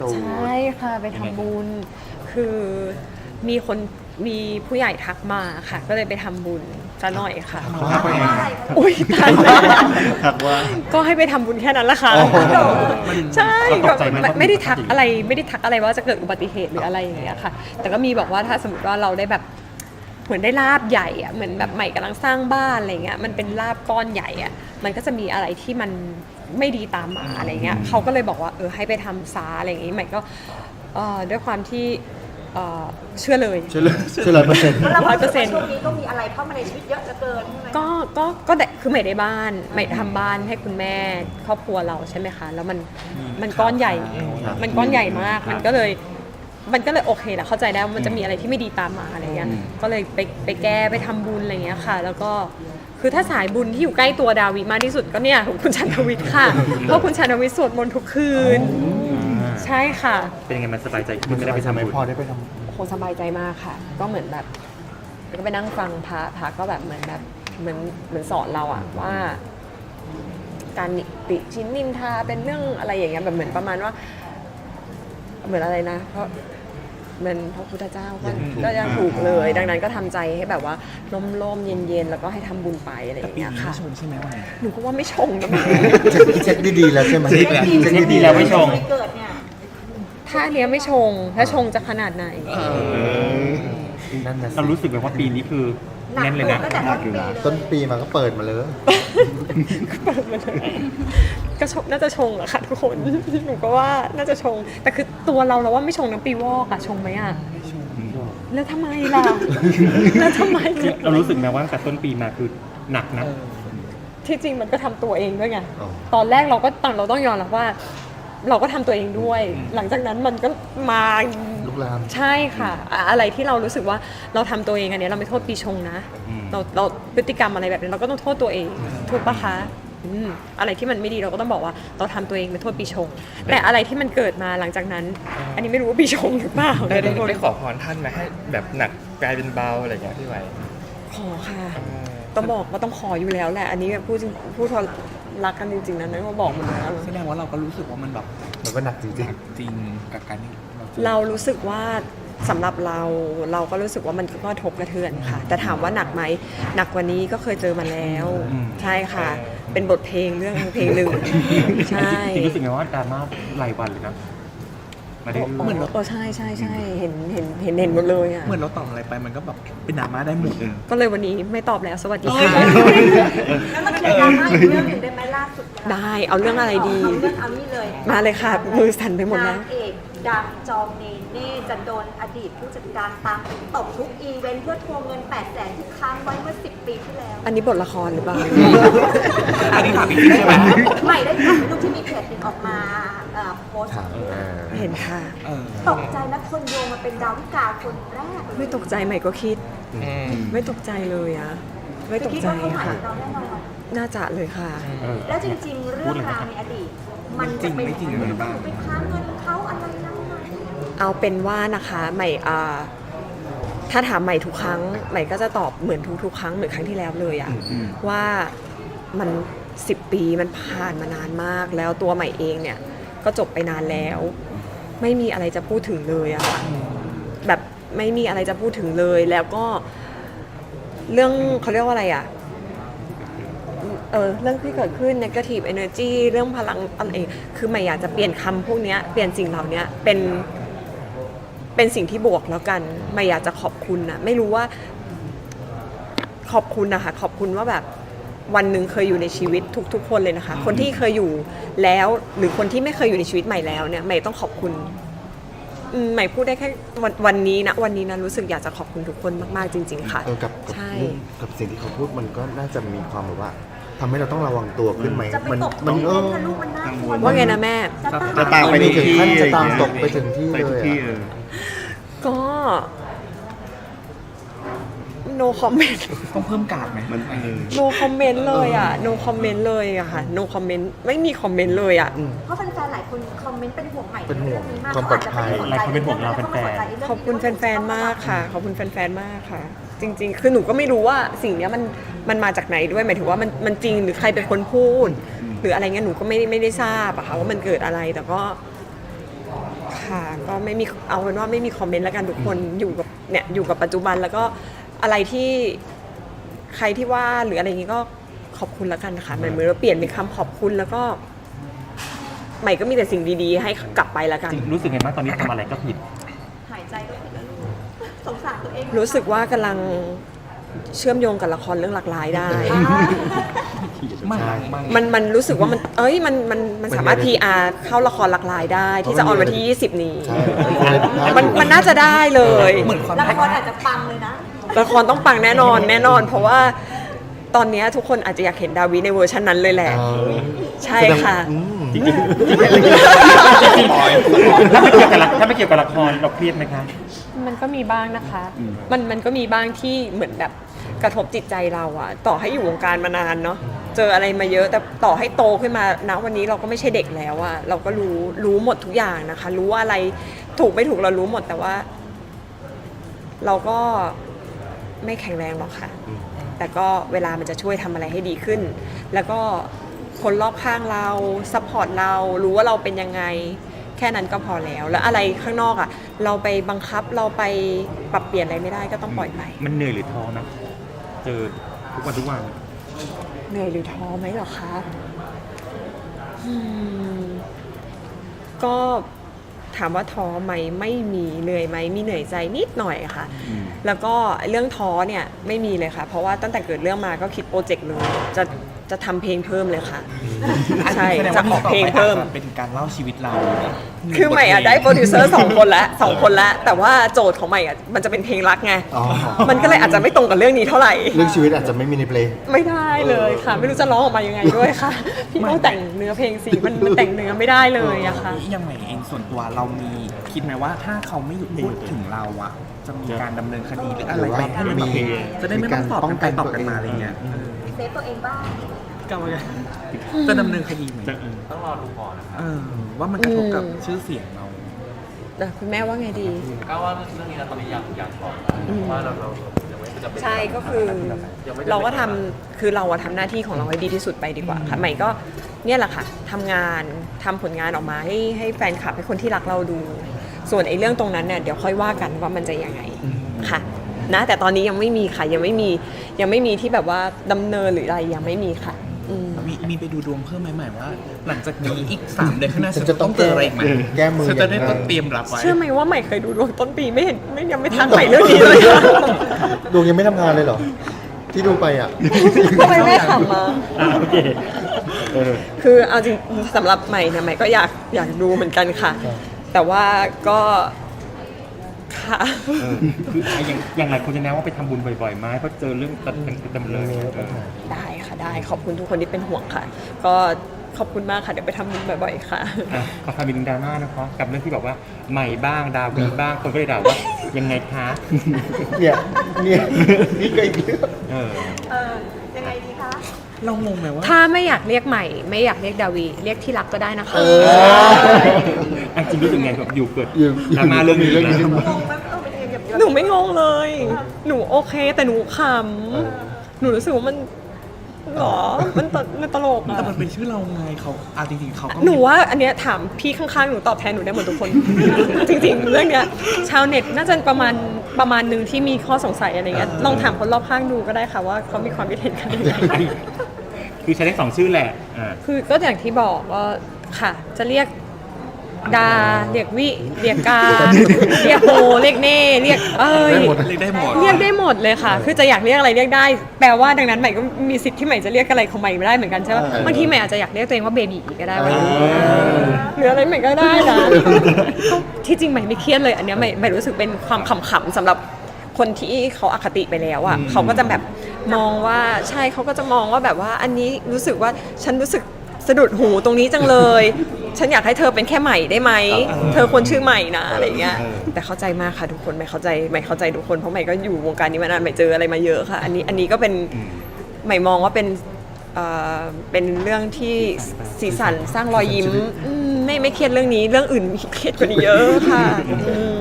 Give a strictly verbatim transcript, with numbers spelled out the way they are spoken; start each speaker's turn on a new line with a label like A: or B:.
A: ใช่ค่ะไปทำบุญคือมีคนมีผู้ใหญ่ทักมาค่ะ ก็เลยไปทำบุญซะหน่อยค่ะ
B: เขาทักว่าไงครับ
A: อุ้ยตายแล้ว
B: ทักว่า
A: ก็ให้ไปทำบุญแค่นั้นละค่ะ
B: โอ้โห
A: ใช่
B: เราต
A: ก็
B: กใจไหม
A: ไม่ไม่ได้ทักอะไรไม่ได้ทักอะไรว่าจะเกิดอุบัติเหตุหรืออะไรอย่างเงี้ยค่ะ แต่ก็มีบอกว่าถ้าสมมติว่าเราได้แบบเหมือนได้ลาบใหญ่อะเหมือนแบบใหม่กำลังสร้างบ้านอะไรเงี้ยมันเป็นลาบก้อนใหญ่อะมันก็จะมีอะไรที่มันไม่ดีตามมาอะไรเงี้ยเขาก็เลยบอกว่าเออให้ไปทำซาอะไรอย่างงี้ใหม่ก็เอ่อด้วยความที่เอ่อเชื่อเลย
B: เชื่อเลยเชื่อร้อยเปอร์เซ็นต์
C: แล้ว
A: ร้อยเปอร์เซ็นต์
C: ช่วงนี้ก็มีอะไรเข้ามาในชีวิตเยอะเหลือเกินใช่ไหม
A: ก็ก็ก็ได้คือใหม่ได้บ้านใหม่ทำบ้านให้คุณแม่ครอบครัวเราใช่ไหมคะแล้วมันมันก้อนใหญ่
B: ครับ
A: มันก้อนใหญ่มากมันก็เลยมันก็เลยโอเคแหละเข้าใจได้ว่ามันจะมีอะไรที่ไม่ดีตามมาอะไรเงี้ยก็เลยไปไปแก้ไปทำบุญอะไรเงี้ยค่ะ แล้วก็คือถ้าสายบุญที่อยู่ใกล้ตัวดาวิมากที่สุดก็เนี่ยของคุณชันทวิทย์ค่ะเพราะคุณชันทวิทย์สวดมนต์ทุกคืนใช่ค่ะ
D: เป็นยังไงมันสบายใจขึ้น
B: มัน
D: ไม่
B: จะ
D: ได้
B: ไป
D: ไป
B: ทำ
D: ทำ
B: ไม
D: บุญ
B: พอได้ไปท
A: โหสบายใจมากค่ะ ก็เหมือนแบบก็ไปนั่งฟังพระพระก็แบบเหมือนแบบเหมือนเหมือนสอนเราอะว่า การติชินนินทาเป็นเรื่องอะไรอย่างเงี้ยแบบเหมือนประมาณว่า เหมือนอะไรนะ เพราะเหมือนพระพุทธเจ้าก็ก็ยังถูกเลย ดังนั้นก็ทำใจให้แบบว่าล่มๆเย็นๆแล้วก็ให้ทำบุญไปอะไรอย่างเงี้ยค่ะหนูก็ว่าไม่ชงนะแม่
B: ำเช็คเช็คดีๆแล้วใช่ไหม
D: เช็คแล้วเช็คดีแล้วไม่ชง
C: ไม่เกิดเนี่ย
A: ถ้าอันเนี้ยไม่ชง ถ้าชงจะขนาดไหน
B: นั่นนะสิ
D: เรารู้สึกแบบว่าปีนี้คือ
C: หนัก
D: แน่นเลย
C: เกิ
D: นะ
C: นตั้งแต่ต้นปีเลย
B: ต้นปีมาก็เปิดมาเลย
A: เปิดมาเลยก็ชงน่าจะชงอะค่ะทุกคน หนูก็ว่าน่าจะชง แต่คือตัวเราเราว่าไม่ชงน้ำปีวอกอะชงไหมอะแล้วทำไมล่ะ แล้วทำไมล่ะ
D: เรารู้สึกไหมว่าตั้งแต่ต้นปีมาคือหนักนะ
A: ที่จริงมันก็ทำตัวเองด้วยไง
B: อ๋อ
A: ตอนแรกเราก็ตอนเราต้องยอมรับว่า เราก็ทำตัวเองด้วย หลังจากนั้นมันก็มา
B: ลุกลาม
A: ใช่ค่ะอะอะไรที่เรารู้สึกว่าเราทำตัวเองอันเนี้ยเราไม่โทษปีชงนะ
D: อืม
A: เราเราพฤติกรรมอะไรแบบนี้เราก็ต้องโทษตัวเองถูกปะคะอืมอะไรที่มันไม่ดีเราก็ต้องบอกว่าเราทำตัวเองไม่โทษปีชง แต่อะไรที่มันเกิดมาหลังจากนั้น อันนี้ไม่รู้ว่าปีชงหรือเปล่า
E: ได้ได้
A: ทุกคน
E: ได้ขอพรท่านไหมให้แบบหนักกลายเป็นเบาอะไรอย่างเงี้ยพี่ไหว
A: ขอค่ะต้องบอกว่าต้องขออยู่แล้วแหละอันนี้พูดจริงพูดทอรักกันจริงๆนะนั่นก็บอกหมดแล้ว
F: แสดงว่าเราก็รู้สึกว่ามันแบบ
B: มันก็หนักจริง
F: จริงกับการที่เราเจอ
A: เรารู้สึกว่าสำหรับเราเราก็รู้สึกว่ามันก็กระทบกระเทือนค่ะ แต่ถามว่าหนักไหมหนักกว่านี้ก็เคยเจอมาแล้ว ใช่ค่ะ เป็นบทเพลงเรื่องเพลงหนึ่งใช่
D: จริงๆรู้สึกไงว่าดราม่ารายวันเลยนะมาได้
A: เหมือนเออใช่ใช่ใช่เห็นเห็นเห็นเห็นหมดเลยอ่ะ
F: เหมือนเราตอบอะไรไปมันก็แบบเป็นดราม่าได้หมดเลย
A: ก็เลยวันนี้ไม่ตอบแล้วสวัสดีค่ะ
C: แล้วมันเคลียร์ดราม่าอีกเรื่องหนึ่งได้ไหมล่าสุด
A: ได้เอาเรื่องอะไรดี
C: เอาเรื่องเอานี่เลย
A: มาเลยค่ะมือสั่นไปหมดแล้ว
C: นางเอกดังจองเนเน่จะโดนอดีตผู้จัดการตามตบทุกอีเวนต์เพื่อทวงเงินแปดแสนที่ค้างไว้เมื่อสิบปีที่แล้ว
A: อันนี้บทละครหรือเปล่า
F: อันนี้ถามจริงๆใช่ไหม
C: ใหม่ได้ข่าวลูกที่มีเพจหนึ่งออกมาเอ่อโพส
B: ๆ
C: ต์
B: ถามอ่า
A: เห็นค่ะ
F: เออ
C: ตกใจนะคนโยงมาเป็นดาวิกาคนแรกเลย
A: ไม่ตกใจใหม่ก็คิด ไม่ตกใจเลยอะไม่ตก
C: คิด
A: ใจ
C: ว่าเขาหมาย
A: ค่ะ
C: ถึงเราแน่นอน
A: น่าจะเลยค่ะ
D: เออ
C: แล้วจริงๆ เรื่องราวในอดีต มันจะเป็น
F: จริงไม่จริงอะไรบ้าง
C: ไปค้างเงินเขาอะไรนั่นไง
A: เอาเป็นว่านะคะใหม่อ่าถ้าถามใหม่ทุกครั้งใหม่ก็จะตอบเหมือนทุกๆ ครั้งเหมือนครั้งที่แล้วเลยอะว่ามันสิบปีมันผ่านมานานมาก แล้วตัวใหม่เองเนี่ยก็จบไปนานแล้ว ไม่มีอะไรจะพูดถึงเลยอะค่ะแบบไม่มีอะไรจะพูดถึงเลยแล้วก็เรื่องเขาเรียกว่าอะไรอะเออเรื่องที่เกิดขึ้น negative energy เรื่องพลังอะไรคือใหม่อยากจะเปลี่ยนคำพวกเนี้ยเปลี่ยนสิ่งเหล่านี้เป็น เป็นสิ่งที่บวกแล้วกันไม่อยากจะขอบคุณนะไม่รู้ว่าขอบคุณนะคะขอบคุณว่าแบบวันหนึ่งเคยอยู่ในชีวิตทุกๆ คนเลยนะคะ คนที่เคยอยู่แล้วหรือคนที่ไม่เคยอยู่ในชีวิตใหม่แล้วเนี่ยใหม่ต้องขอบคุณอืมใหม่พูดได้แค่วันวันนี้นะวันนี้นะรู้สึกอยากจะขอบคุณทุกคนมากๆจริง ๆ ค่ะ
B: เออกับกับ
A: ใช่
B: เรื่องกับสิ่งที่เขาพูดมันก็น่าจะมีความแบบว่าทำให้เราต้องระวังตัวขึ้นไหม
C: จะไป
B: มัน
C: ตบ
B: มัน
C: อี
B: เอ
C: เว
B: อน
C: ต์นะลูกมันน่ากลัว
A: ว่าไงนะแม่
C: จะตาม
B: จะตามไปในถึงขั้นจะตามตกไป
D: ไป
B: ถึงที่
D: ไป
B: เล
D: ทุก
B: ย
D: ที่
B: อะ
D: เออ
A: ก็ no comment
F: ต้องเพิ่มการ์ดไหม
D: มันเออ
A: no comment เลยอ่ะ no comment เลยอะค่ะ no comment ไม่มีคอมเมนต์เลยอ่ะ
C: เพราะแฟนๆหลายคนคอมเมนต์เป็นห่วงใหม่
B: เป็นห่วง
C: เรื่องนี้มาก
B: ความปลอดภัย
D: หลายคนเป็นห่วงเราเป็นแฟน
A: ขอบคุณแฟนๆ มากค่ะ ขอบคุณแฟนๆ มากค่ะ จริงๆ คือหนูก็ไม่รู้ว่าสิ่งเนี้ยมันมันมาจากไหนด้วยหมายถึงว่ามันมันจริงหรือใครเป็นคนพูด หรืออะไรเงี้ยหนูก็ไม่ไม่ได้ทราบอะค่ะว่ามันเกิดอะไรแต่ก็คค่ะก็ไม่มีเอาเป็นว่าไม่มีคอมเมนต์แล้วกันทุกคนอยู่กับเนี่ยอยู่กับปัจจุบันแล้วก็อะไรที่ใครที่ว่าหรืออะไรอย่างงี้ก็ขอบคุณแล้วกันค่ะเหมือนเหมือนเราเปลี่ยนเป็นคำขอบคุณแล้วก็ใหม่ก็มีแต่สิ่งดีๆให้กลับไปแล้วกัน
D: จริงรู้สึกไงบ้างตอนนี้ทำอะไรก็ผิด
C: หายใจก็ผิดแล้วลูกสงสารตัวเอง
A: รู้สึกว่ากำลังเชื่อมโยงกับละครเรื่องหลักหลายได้
F: ไม่
B: ใช่
F: ไม่
A: มันมันรู้สึกว่ามันเอ้ยมันมันมันสามารถ
B: มัน
A: พี
B: มีอะไร
A: อาร์ เข้าละครหลักหลายได้ ที่จะออนวันที่ ยี่สิบ นี้
B: ใช่มีอะไรผิดพลาด
A: มัน
B: อยู่
A: มันน่าจะได้เลย
F: เหมือนความ
C: ละครอาจจะปังเลยนะ
A: ละครต้องปังแน่นอนแน่นอน เพราะว่าตอนนี้ทุกคนอาจจะอยากเห็นดาวิในเวอร์ชันนั้นเลยแหละ
B: เออ
A: ใช่ค่ะ
B: อืม
D: จริงๆจริงๆจริงๆถ้าไม่เกี่ยวกับละถ้าไม่เกี่ยวกับละครเราเครียดไหมคะ
A: มันก็มีบ้างนะคะ มันมันก็มีบ้างที่เหมือนแบบกระทบจิตใจเราอะต่อให้อยู่วงการมานานเนาะ เจออะไรมาเยอะ แต่ต่อให้โตขึ้นมาณวันนี้เราก็ไม่ใช่เด็กแล้วอะเราก็รู้รู้หมดทุกอย่างนะคะ รู้ว่าอะไรถูกไม่ถูกเรารู้หมด แต่ว่า เราก็ไม่แข็งแรงหรอกค่ะ แต่ก็เวลามันจะช่วยทำอะไรให้ดีขึ้น แล้วก็คนรอบข้างเราซัพพอร์ตเรา รู้ว่าเราเป็นยังไง แค่นั้นก็พอแล้ว แล้วอะไรข้างนอกอ่ะ เราไปบังคับ เราไปปรับเปลี่ยนอะไรไม่ได้ก็ต้องปล่อยไป
D: มันเหนื่อยหรือท้อนะเจอทุกวันทุกวัน
A: เหนื่อยหรือท้อไหมเหรอคะอืมก็ถามว่าท้อไหมไม่มีเหนื่อยไหมมีเหนื่อยใจนิดหน่อยค่ะ แล้วก็เรื่องท้อเนี่ยไม่มีเลยค่ะ เพราะว่าตั้งแต่เกิดเรื่องมาก็คิดโปรเจกต์เลยจะจะทำเพลงเพิ่มเลยค่ะ ใช่
F: แสดง
A: จะ
F: ว่า
A: ออกเพลงเพิ่ม
F: เป็นการเล่าชีวิตเรา
A: คือใหม่อะได้โปรดิวเซอร์สองคนแล้วสองคนแล้วแต่ว่าโจทย์ของใหม่อะมันจะเป็นเพลงรักไง
B: อ๋อ
A: มันก็เลยอาจจะไม่ตรงกับเรื่องนี้เท่าไหร่
B: เรื่องชีวิตอาจจะไม่มีในเพลง
A: ไม่ได้เลยค่ะ ไม่รู้จะร้องออกมายังไงด้วยค่ะ พี่ต้องแต่งเนื้อเพลงสิมันมันแต่งเนื้อไม่ได้เลยอะค่ะ
F: ยังไงเองส่วนตัวเรามีคิดไหมว่าถ้าเขาไม่หยุดพูดถึงเราอะจะมีการดำเนินคดีหรืออะไร
B: หรือว่า
F: แบบให้มันแบบ
B: มี
F: จะได้ไม่ต้องตอบกันไปตอบกันมาอะไรเงี้ย
C: เซฟตัวเองบ้าง
F: ก็ว่าจะดำเนินคดีไหม
D: จะเออ
F: เออว่ามันกระทบกับ
A: อืม
F: ชื่อเสียงเรา
A: แต่คุณแม่ว่าไงดี
G: ก็ว่าเรื่องนี้นะตอนนี้อยากอยากบอกเพราะว่าเราเรายังไม่จะเป็น
A: ใช่ก็คือเราก็ทำคือเราอะทำหน้าที่ของเราให้ดีที่สุดไปดีกว่าค่ะใหม่ก็เนี่ยแหละค่ะทำงานทำผลงานออกมาให้ให้แฟนคลับให้คนที่รักเราดู ส่วนไอ้เรื่องตรงนั้นเนี่ยเดี๋ยวค่อยว่ากันว่ามันจะยังไงค่ะนะแต่ตอนนี้ยังไม่มีค่ะยังไม่มียังไม่มีที่แบบว่าดำเนินหรืออะไรยังไม่มีค่ะอืม
F: มีมีไปดูดวงเพิ่มไหมหมายว่า หลังจากนี้อีกสามเดือนข้างหน้า
B: ฉั
F: ฉั
B: น
F: น
B: จะ
F: จะ
B: ต้
F: ต้
B: อ
F: อง งเจออะไรอีกไหม
B: แก้มือ
F: ฉันจะได้
B: อย่างไร
F: ต้องเตรียมรับไว้
A: เชื่อไหมว่าใหม่เคยดูดวงต้นปีไม่เห็นไม่ยังไม่ทักใหม่เรื่องนี้เลยอะ
B: ดวงยังไม่ทำงานเลยเหรอ ที่ดูไปอ่ะ
A: ทำไมแม่ขำมา
D: อ่ะโอเคเออ
A: คือเอาจริงสำหรับใหม่เนี่ยใหม่ก็อยากอยากดูเหมือนกันค่ะ
B: ครับ
A: แต่ว่าก็ค่ะ
D: เออคืออย่างอย่างไรคนจะแนะว่าไปทำบุญบ่อยๆไหมเพราะเจอเรื่องตัดดำเนิน
A: ได้ค่ะได้ขอบคุณทุกคนที่เป็นห่วงค่ะ ก็ขอบคุณมากค่ะเดี๋ยวไปทำบุญบ่อยๆค่ะ
D: อ่ะขอคำบินดราม่านะคะกับเรื่องที่บอกว่าใหม่บ้างดาววีบ้างคนก็เลยด่าว่ายังไงคะ
B: เนี่ยเนี่ยนี่ก็อีกเรื่อง
D: เออ
C: เออ ยังไงดีคะ
F: เรางงไหมว่า
A: ถ้าไม่อยากเรียกใหม่ ไม่อยากเรียกดาวีเรียกที่รักก็ได้นะคะ
B: เออ
D: อ่ะจริงรู้สึกไงแบบอยู่เกิด
B: อยู่
D: ดราม่าเรื่องนี้
B: เรื่องนี้
D: นะ
B: ขึ้นมา
C: งงไหมเออเป็นยังไงแบบ
A: หนูไม่งงเลย หนูโอเคแต่หนูขำหนูรู้สึกว่ามันหรอมันตมันตลก
F: แต่
A: อะ
F: มันเป็นชื่อเราไงเขาอ่ะจริงๆเขาก็
A: หนูว่าอันเนี้ยถามพี่ข้างๆหนูตอบแทนหนูได้หมดทุกคน จริงๆ เรื่องเนี้ยชาวเน็ตน่าจะประมาณประมาณหนึ่งที่มีข้อสงสัยอะไรเงี้ยลองถามคนรอบข้างดูก็ได้ค่ะว่าเขามีความคิดเห็นกันยังไง
D: คือใช้ได้สองชื่อแหละอ่า
A: คือก็อย่างที่บอกว่าค่ะ จะเรียกดาเรียกวิเรียกกาเรียกโฮเรียกเน่เรียกเอ้ย
B: ได้หมด
F: เรียกได้หมด
A: เรียกได้หมดเลยค่ะ คือจะอยากเรียกอะไรเรียกได้ แปลว่าดังนั้นใหม่ก็มีสิทธิ์ที่ใหม่จะเรียกอะไรของใหม่ไม่ได้เหมือนกันใช่ไหม
B: เออ
A: บางทีใหม่อาจจะอยากเรียกตัวเองว่าเบบีก็ได้
B: เออ
A: หรืออะไรใหม่ก็ได้นะก็ที่จริงใหม่ไม่เครียดเลย อันเนี้ยใหม่ใหม่รู้สึกเป็นความขำๆสำหรับคนที่เขาอคติไปแล้วอ่ะเขาก็จะแบบมองว่าใช่เขาก็จะมองว่าแบบว่าอันนี้รู้สึกว่าฉันรู้สึกสะดุดหูตรงนี้จังเลย ฉันอยากให้เธอเป็นแค่ใหม่ได้ไหมเธอควรชื่อใหม่นะอะไรเงี้ยแต่เข้าใจมากค่ะทุกคนใหม่เข้าใจใหม่เข้าใจทุกคนเพราะใหม่ก็อยู่วงการนี้มานานใหม่เจออะไรมาเยอะค่ะ อันนี้อันนี้ก็เป็นใหม่มองว่าเป็นเอ่อเป็นเรื่องที่สีสันสร้างรอยยิ้มอืมไม่ไม่เครียดเรื่องนี้เรื่องอื่นมีเครียดกว่านี้เยอะค่ะอืม